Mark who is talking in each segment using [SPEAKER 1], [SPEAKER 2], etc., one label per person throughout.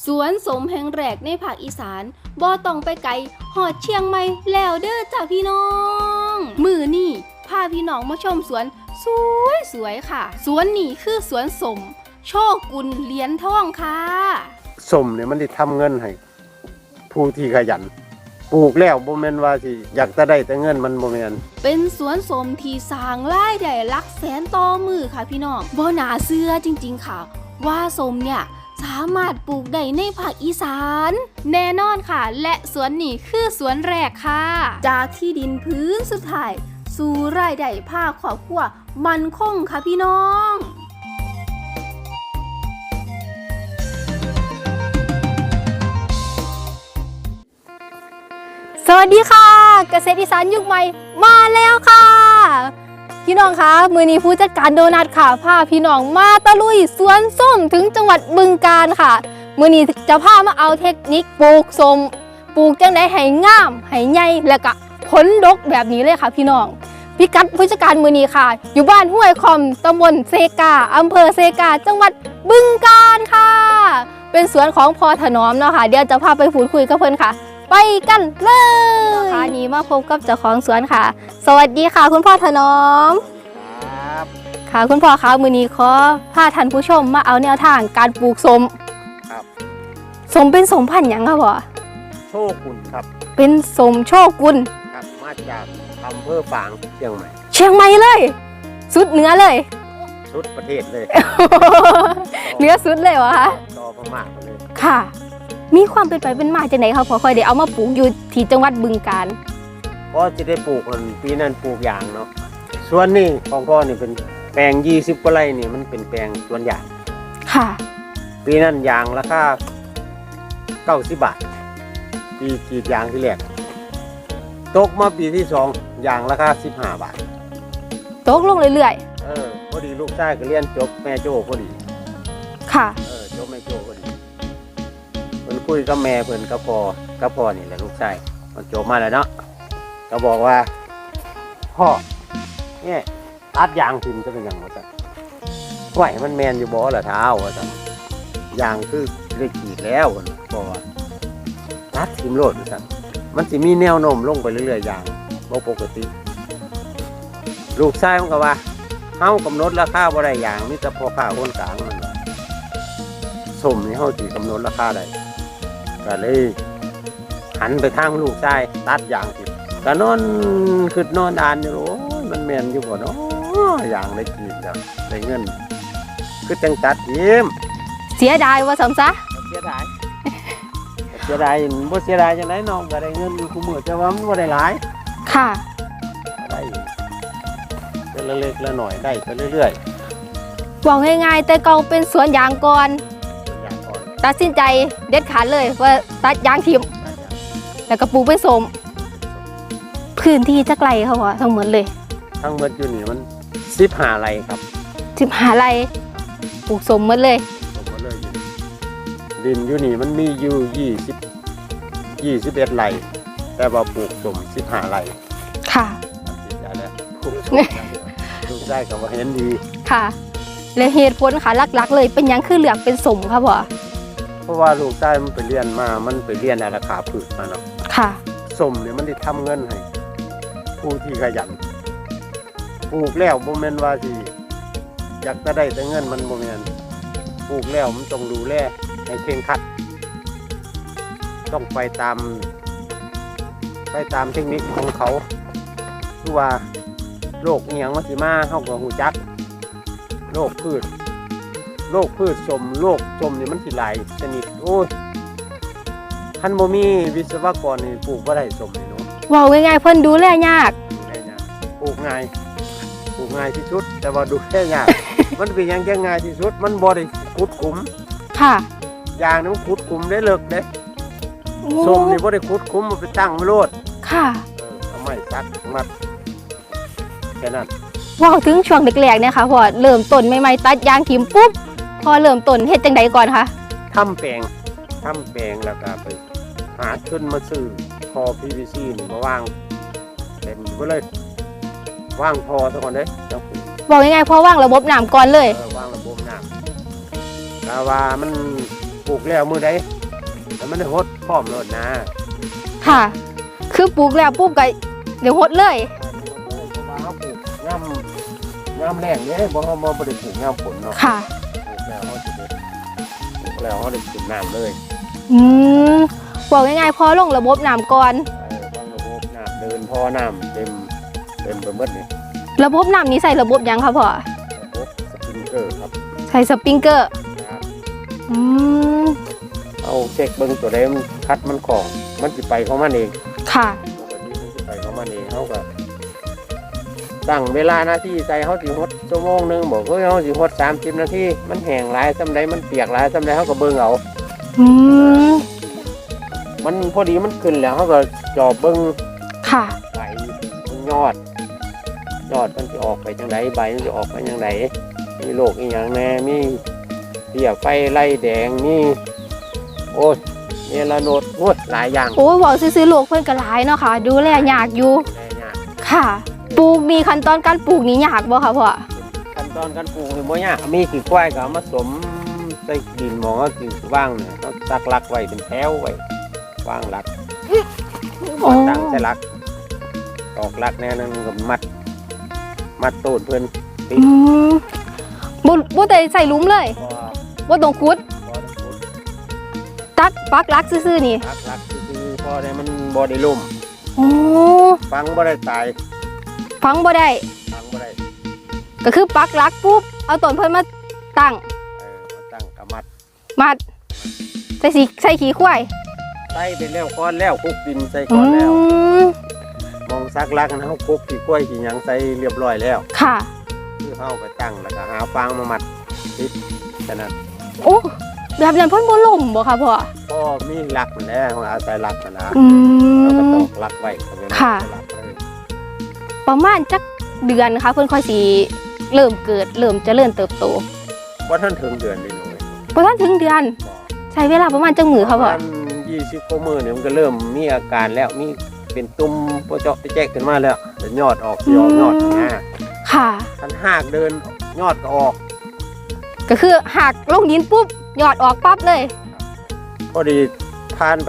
[SPEAKER 1] สวนสมแห่งแรกในภาคอีสานบ่ต้องไปไกลหอดเชียงใหม่แล้วเด้อจ้าพี่น้องมื้อนี้พาพี่น้องมาชมสวนสวยๆค่ะสวนนี้คือสวนสมโชกุลเหรียญทองค่ะ
[SPEAKER 2] สมเนี่ยมันได้ทำเงินให้ผู้ที่ขยันปลูกแล้วบ่แม่นว่าสิอยากจะได้แต่เงินมันบ่แม่น
[SPEAKER 1] เป็นสวนสมที่สร้างรายได้หลักแสนต่อมือค่ะพี่น้องบ่น่าเชื่อจริงๆค่ะว่าสมเนี่ยสามารถปลูกได้ในภาคอีสานแน่นอนค่ะและสวนนี้คือสวนแรกค่ะจากที่ดินพื้นสุดท้ายสู่รายได้ภาคครอบครัวมั่นคงค่ะพี่น้องสวัสดีค่ะเกษตรอีสานยุคใหม่มาแล้วค่ะพี่น้องคะมื้อนี้ผู้จัดการโดนัทค่ะพาพี่น้องมาตะลุยสวนส้มถึงจังหวัดบึงกาฬค่ะมื้อนี้จะพามาเอาเทคนิคปลูกส้มปลูกจังได๋ให้งามให้ใหญ่แล้วก็ผลดกแบบนี้เลยค่ะพี่น้องพิกัดผู้จัดการมื้อนี้ค่ะอยู่บ้านห้วยคอมตำบลเซกาอำเภอเซกาจังหวัดบึงกาฬค่ะเป็นสวนของพ่อถนอมเนาะค่ะเดี๋ยวจะพาไปพูดคุยกับเพิ่นค่ะไปกันเลยค่ะนี้มาพบกับเจ้าของสวนค่ะสวัสดีค่ะคุณพ่อถนอม
[SPEAKER 2] ครับ
[SPEAKER 1] ค่ะคุณพ่อคะมื้อนี้ขอพาท่านผู้ชมมาเอาแนวทางการปลูกส้ม
[SPEAKER 2] ครับ
[SPEAKER 1] ส้มเป็นส้มพันธุ์หยังครับพ่อ
[SPEAKER 2] โชกุลครับ
[SPEAKER 1] เป็นส้มโชกุล
[SPEAKER 2] ครับมาจากอำเภอฝางเชียงใหม่
[SPEAKER 1] เลยสุดเหนือเลย
[SPEAKER 2] สุดประเทศเลย
[SPEAKER 1] เหนือสุดเลยวะคะ
[SPEAKER 2] ต่อพม่าไปเลย
[SPEAKER 1] ค่ะมีความเป็นไปเป็นมาจากไหนครับพ่อค่อยได้เอามาปลูกอยู่ที่จังหวัดบึงกาฬ
[SPEAKER 2] พ่อจะได้ปลูกปีนั้นปลูกยางเนาะส่วนนี้ของพ่อนี่เป็นแปลง20 กว่าไร่นี่มันเป็นแปลงสวนยาง
[SPEAKER 1] ค่ะ
[SPEAKER 2] ปีนั้นยางราคา90 บาทปีกรีดยางที่แรกตกมาปีที่2ยางราคา15 บาท
[SPEAKER 1] ตกลงเรื่อย
[SPEAKER 2] พอดีลูกชายก็เรียนจบแม่โจ้พอดี
[SPEAKER 1] ค่ะ
[SPEAKER 2] จบแม่โจ้พอดีเพิ่นคุยกับแม่เพิ่นกับพ่อนี่แหละลูกชายมันจบมาแล้วเนาะก็บอกว่าพ่อเนี่ยตัดยางถิ่มจะเป็นอย่างไรจ๊ะไหวมันแมนอยู่บ่ละเท้าว่าจ๊ะยางคือได้กรีดแล้วบอกว่าตัดถิ่มโลดจ๊ะมันจะมีแนวโน้มลงไปเรื่อยๆยางบ่ปกติลูกชายมันก็ว่าเฮากำหนดราคาบ่ได้ยางมีแต่พ่อค้าคนกลางมันว่าส้มนี่เฮาสิกำหนดราคาได้ก็เลยหันไปทางลูกชายตัดยางถิ่มก็นอนคือนอนอ่านอยู่โอ้ยมันแม่นอยู่บ่เนาะอย่างได้กินแล้วได้เงินคือจังตัดยิ้ม
[SPEAKER 1] เสียดายว่าสมซะ
[SPEAKER 2] เสียดายบ่เสียดายจังได๋น้องก็ได้เงินอยู่คุมื้อแต่ว่ามันบ่ได้หลาย
[SPEAKER 1] ค่ะ
[SPEAKER 2] ได้แต่ละเล็กละหน่อยได้ไปเรื่อย
[SPEAKER 1] ๆบอกง่ายๆแต่เก่าเป็นสวนยางก่อนตัดสินใจเด็ดขาดเลยว่าตัดยางทิ่มแล้วก็ปลูกเป็นส้มพื้นที่จักไรเขาว่าทั้งหมดเลย
[SPEAKER 2] ทั้งหมดอยู่นี่มัน15 ไร่ครับ
[SPEAKER 1] 15 ไร่ปลูกส้มหมดเลย
[SPEAKER 2] ดินอยู่นี่มันมีอยู่21 ไร่แต่ว่าปลูกส้ม15 ไร่
[SPEAKER 1] ค่ะ
[SPEAKER 2] ลูกได้ก็ว่าเห็นดี
[SPEAKER 1] ค่ะและเหตุผลค่ะหลักๆเลยเป็นหยังคือเลือกเป็นส้มครับพ่อ
[SPEAKER 2] เพราะว่าลูกได้มันไปเรียนมามันไปเรียนราคาพืชมาเนาะ
[SPEAKER 1] ค่ะ
[SPEAKER 2] ส้มเนี่ยมันได้ทำเงินให้ผู้ที่ขยันปลูกแล้วบ่แม่นว่าสิอยากจะได้แต่เงินมันบ่แม่นปลูกแล้วมันต้องดูแลให้เคร่งครัดต้องไปตามเทคนิคของเขาคือว่าโรคอีหยังมันสิมาเฮาก็ฮู้จักโรคพืชส้มโรคส้มนี่มันสิหลายชนิดโอ้ยคันบ่มีวิศวกรนี่ปลูกบ่ได้ส้มนี่เนาะ
[SPEAKER 1] ว้าวง่ายๆเพิ่นดูแลยาก
[SPEAKER 2] ปลูกง่ายที่สุดแต่ว่าดูแลยาก มันเป็นอย่างง่ายที่สุดมันบ่ได้ขุดขุม
[SPEAKER 1] ค่ะ
[SPEAKER 2] ยางนี่มันขุดขุมได้เลิกเด้ส้มนี่บ่ได้ขุดขุมมันไปตั้งไว้โลด
[SPEAKER 1] ค่ะ
[SPEAKER 2] เอาไม้ตัดมัดแค่นั้น
[SPEAKER 1] ว้าวถึงช่วงแรกๆเนี่ยค่ะพอเริ่มต้นใหม่ๆตัดยางทิ่มปุ๊บพอเริ่มต้นเฮ็ดจังไดก่อนคะ
[SPEAKER 2] ทำแปลงแล้วก็ไปหาทุนมาซื้อพอ PVC นี่มาวางเต็มไปเลยวางพอซะก่อนเด้
[SPEAKER 1] บอกง่ายๆพอวางระบบน้ำก่อนเลยว
[SPEAKER 2] างระบบน้ำแต่ว่ามันปลูกแล้วมือใดแต่มันได้หดพร้อมโลดนะ
[SPEAKER 1] ค่ะ คือปลูกแล้วปุ๊บก็เดี๋ยวหดเลย
[SPEAKER 2] เพราะว่าเขาปลูกงามแรงเนี่ยบ่เขาบ่ได้ปลูกงามฝนเนาะ
[SPEAKER 1] ค่ะ
[SPEAKER 2] ปลูกแล้วเขาได้กินน้ำเลย
[SPEAKER 1] อืมบอกง่ายๆพอลงระบบน้ำก่อน
[SPEAKER 2] บางระบบน้ำเดินพอน้ำเต็มไปหมดเลย
[SPEAKER 1] ระบบน้ำนี้ใส่ระบบหยังคะพ่อ
[SPEAKER 2] ระบบสปริงเกอร์ครับ
[SPEAKER 1] ใส่สปริงเกอร์
[SPEAKER 2] ครับ
[SPEAKER 1] อืม
[SPEAKER 2] เอาเช็คเบิ้งตัวใดมันคัดมันของมันสิไปของมันเอง
[SPEAKER 1] ค่ะ
[SPEAKER 2] ตัวนี้มันสิไปของมันเองเขาก็ตั้งเวลาหน้าที่ใส่เขาสิฮดชั่วโมงนึงบอกเขาสิฮด30 นาทีมันแห้งหลายซ้ำใดมันเปียกหลายซ้ำใดเขาก็เบิ้งเอา
[SPEAKER 1] อืม
[SPEAKER 2] มันพอดีมันขึ้นแล้วเขาก็จอบเบิ้ง
[SPEAKER 1] ค่ะ
[SPEAKER 2] ใบมันยอดมันจะออกไปจังไดใบมันจะออกไปจังไดมีโรคอีหยังแน่มีเพี้ยไฟไล่แดงมีโอ้ยเมลาโนดโอ้ยหลายอย่าง
[SPEAKER 1] โอ้ยบอกซื้อๆโลกเพื่อนก็หลายเนาะค่ะ ดูแลยากอยู่
[SPEAKER 2] แลยาก
[SPEAKER 1] ค่ะ ปลูกนี่ขั้นตอนการปลูกนี่ยากบ่คะพ่อ
[SPEAKER 2] ขั้นตอนการปลูกนี่บ่ยากมีขี้ควายก็เอามาสมใส่ดินหมองก็กินว่างเนี่ยเขาตักลักไว้เป็นแถวไว้ว่างลัก
[SPEAKER 1] โอ้
[SPEAKER 2] ตั้งใส่ลักตอกลักแน่นึงก็มัดต้นเพิ่น
[SPEAKER 1] อืมบ่ได้ใส่หลุมเลย
[SPEAKER 2] พอ
[SPEAKER 1] บ่ต้องขุด
[SPEAKER 2] พอต้องขุด
[SPEAKER 1] ตัดปักหลักซื่อๆนี่
[SPEAKER 2] ลักคือพอได้มันบ่ได้ล่ม
[SPEAKER 1] โอ้
[SPEAKER 2] ฟังบ่ได้ตาย
[SPEAKER 1] ฟังบ่ได้
[SPEAKER 2] ฟังบ่ได้
[SPEAKER 1] ก็คือปักหลักปุ๊บ เอาต้นเพิ่นมาตั้ง
[SPEAKER 2] มาตั้งกะมัด
[SPEAKER 1] มัด ใส่ขี้ควาย
[SPEAKER 2] ใส่ไปแล้วก้อนแล้วคลุกดินใส่
[SPEAKER 1] อื
[SPEAKER 2] ก้อนแล้ว
[SPEAKER 1] ม
[SPEAKER 2] มองซักลักนะเฮาคลุกขี้กล้วยขี้หยังใส่เรียบร้อยแล้ว
[SPEAKER 1] ค่ะ
[SPEAKER 2] คือเฮาไปตั้งแล้วก็หาฟางมามัดติดฉะนั้น
[SPEAKER 1] โอ้แบบนั้นเพิ่นบ่ล่มบ่คะพ่อ
[SPEAKER 2] ก็มีลักมันแล้วอาศัยลักมันนะ
[SPEAKER 1] อื
[SPEAKER 2] เราก็ต
[SPEAKER 1] ม
[SPEAKER 2] อกลักไว้ก็ไม่
[SPEAKER 1] ค่ะ
[SPEAKER 2] ลักเลย
[SPEAKER 1] ประมาณจักเดือนค่ะเพิ่นค่อยสิเริ่มเกิดเริ่มเจริญเติบโต
[SPEAKER 2] ว่าท่านถึงเดือนเลยหนู
[SPEAKER 1] บ่ทันถึงเดือน ใช้เวลาประมาณจักมื้อค่ะพ่อ
[SPEAKER 2] 20กว่ามื้อเนี่ยมันก็เริ่มมีอาการแล้วมีเป็นตุ่มโปะเจาะไปแจ๊กขึ้นมาแล้วแต่ยอดออกสิออกยอดนะ
[SPEAKER 1] ค่ะ
[SPEAKER 2] คันหากเดินยอดก็ออก
[SPEAKER 1] ก็คือหักลงดินปุ๊บยอดออกปั๊บเลย
[SPEAKER 2] พอดีผ่านไป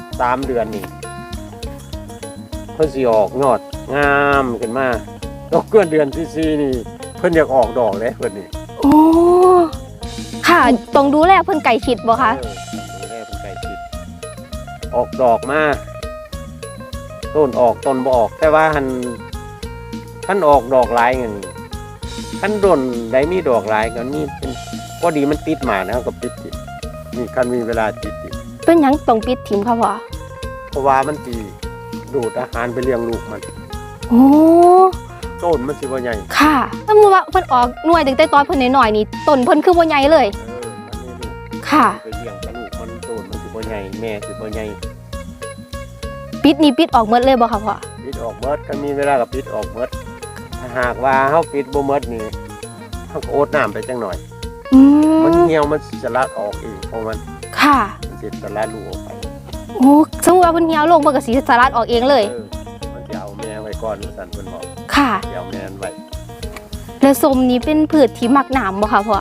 [SPEAKER 2] 3 เดือนนี่เพิ่นสิออกยอดงามขึ้นมาตกเกินเดือนที่4นี่เพิ่นอยากออกดอกเลยเพิ่นนี่
[SPEAKER 1] โอ้ ค่ะต้องดูแลเพิ่นไก่ชิดบ่คะ
[SPEAKER 2] ดูแลเพิ่นใกล้ชิดออกดอกมาต้นออกต้นบ่ออก แต่ว่าท่านออกดอกหลายเงินท่านต้นได้มีดอกหลายก็มีเป็นพอดีมันติดหมานะก็ปิดติดนี่คันมีเวลาติด
[SPEAKER 1] เป็นหยังต้องปิดถิ่มค่ะพ่อ
[SPEAKER 2] เพราะว่ามันสิดูดอาหารไปเลี้ยงลูกมัน
[SPEAKER 1] โอ้
[SPEAKER 2] ต้นมันสิบ่ใหญ่
[SPEAKER 1] ค่ะสมมุติว่าเพิ่นออกหน่วยตั้งแต่ตอนเพิ่นน้อยๆนี่ต้นเพิ่นคือบ่ใหญ่เลย
[SPEAKER 2] มันมีลูก
[SPEAKER 1] ค่ะ
[SPEAKER 2] ไปเลี้ยงกับลูกมันต้นมันสิบ่ใหญ่แม่สิบ่ใหญ่
[SPEAKER 1] ปิดนี่ปิดออกหมดเลยบ่ค่ะพ่อ
[SPEAKER 2] ปิดออกเบิดคันมีเวลาก็ปิดออกเบิดถ้าหากว่าเฮาปิดบ่เบิดนี่เฮาก็โอดน้ำไปจังหน่อย
[SPEAKER 1] อื
[SPEAKER 2] มัน
[SPEAKER 1] ม
[SPEAKER 2] เหี่ยวมันจะลัดออกเองของมัน
[SPEAKER 1] ค่ะ
[SPEAKER 2] มันจะสลัดลูกออกไป
[SPEAKER 1] โอ้สมมุติว่าเพิ่นเหี่ยวลงเพิ่นก็สิสลัดออกเองเลย
[SPEAKER 2] มันจะเอาแม่ไว้ก่อนสั่นเพิ่นบอก
[SPEAKER 1] ค่ะ
[SPEAKER 2] จะเอาแม่นั้นไว้
[SPEAKER 1] แล้วส้มนี่เป็นพืชที่มักน้ำบ่ค่ะพ่อก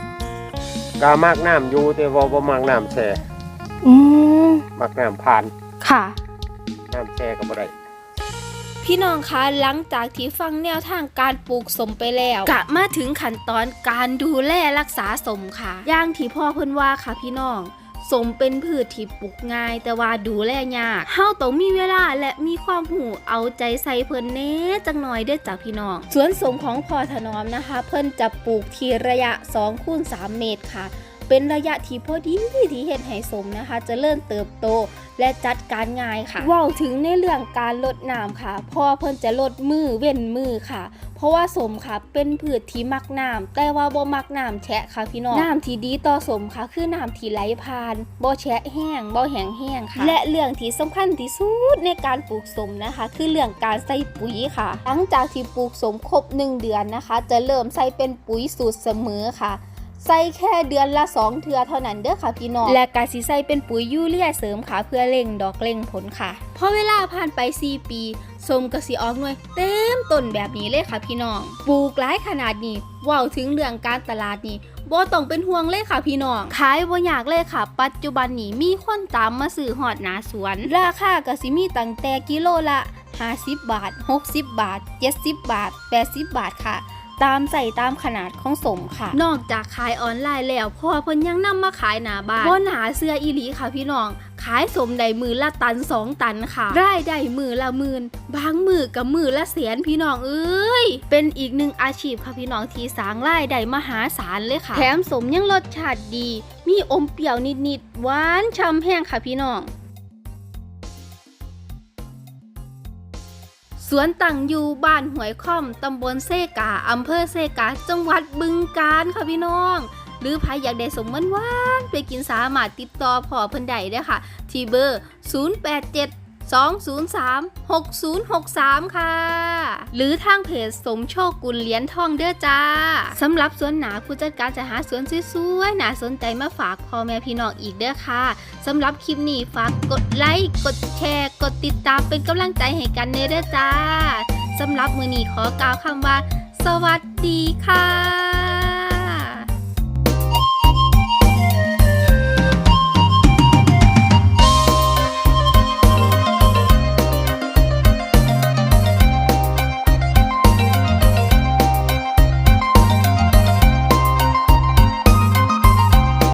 [SPEAKER 2] ามากน้ำอยู่แต่ว่าบ่มากน้ำแช่
[SPEAKER 1] อืม
[SPEAKER 2] มากน้ำผ่าน
[SPEAKER 1] ค่ะ
[SPEAKER 2] น้ำแช่ก็บ่ได้
[SPEAKER 1] พี่น้องคะหลังจากที่ฟังแนวทางการปลูกสมไปแล้วกะมาถึงขั้นตอนการดูแลรักษาสมค่ะอย่างที่พ่อเพิ่นว่าค่ะพี่น้องสมเป็นพืชที่ปลูกง่ายแต่ว่าดูแลยากเฮาต้องมีเวลาและมีความหูเอาใจใส่เพิ่นแหน่จังหน่อยเด้อจ้ะพี่น้องสวนสมของพ่อถนอมนะคะ เพิ่นจะปลูกที่ระยะ 2x3 เมตรค่ะ เป็นระยะที่พอดีที่เฮ็ดให้สมนะคะเจะเริ่มเติบโตและจัดการง่ายค่ะเว้าถึงในเรื่องการลดน้ำค่ะพ่อเพิ่นจะลดมือเว้นมือค่ะ เพราะว่าสมค่ะเป็นพืชที่มักน้ำแต่ว่าบ่มักน้ำแฉะค่ะพี่น้องน้ำที่ดีต่อสมค่ะคือน้ำที่ไหลผ่านบ่แฉะแห้งบ่แห้งแห้งค่ะและเรื่องที่สำคัญที่สุดในการปลูกสมนะคะ คือเรื่องการใส่ปุ๋ยค่ะหลังจากที่ปลูกสมครบ1 เดือนนะคะ จะเริ่มใส่เป็นปุ๋ยสูตรเสมอค่ะใส่แค่เดือนละ2 เทื่อเท่านั้นเด้อค่ะพี่น้องและการสิใส่เป็นปุ๋ยยูเรียเสริมค่ะเพื่อเร่งดอกเร่งผลค่ะพอเวลาผ่านไป4 ปีส้มก็สิออกหน่วยเต็มต้นแบบนี้เลยค่ะพี่น้องปลูกหลายขนาดนี้ว้าวถึงเรื่องการตลาดนี่บ่ต้องเป็นห่วงเลยค่ะพี่น้องขายบ่ยากเลยค่ะปัจจุบันนี้มีคนตามมาซื้อฮอดหน้าสวนราคาก็สิมีตั้งแต่กิโลละ50 บาท60 บาท70 บาท80 บาทค่ะตามใส่ตามขนาดของสมค่ะนอกจากขายออนไลน์แล้วพอเพิ่นยังนำมาขายหน้าบ้านบ่หนาเสื้ออีหลีค่ะพี่น้องขายสมได้มือละตัน2 ตันค่ะรายได้มือละหมื่นบางมือกับมือละแสนพี่น้องเอ้ยเป็นอีกหนึ่งอาชีพค่ะพี่น้องที่สร้างรายได้มหาศาลเลยค่ะแถมสมยังรสชาติดีมีอมเปรี้ยวนิดๆหวานฉ่ำแห้งค่ะพี่น้องสวนตั้งอยู่บ้านห้วยค่อมตำบลเซกาอำเภอเซกาจังหวัดบึงกาฬค่ะพี่น้องหรือใครอยากได้สมหวานๆไปกินสามารถติดต่อพ่อเพิ่นได้เด้อค่ะที่เบอร์ 087-203-6063 ค่ะหรือทางเพจสมโชคกุลเหรียญทองเด้อจ้าสำหรับสวนหนาผู้จัดการจะหาสวนสวยๆน่าสนใจมาฝากพ่อแม่พี่น้องอีกเด้อค่ะสำหรับคลิปนี้ฝากกดไลค์กดแชร์กดติดตามเป็นกำลังใจให้กันเด้อจ้าสำหรับมื้อนี้ขอกล่าวคำว่าสวัสดีค่ะ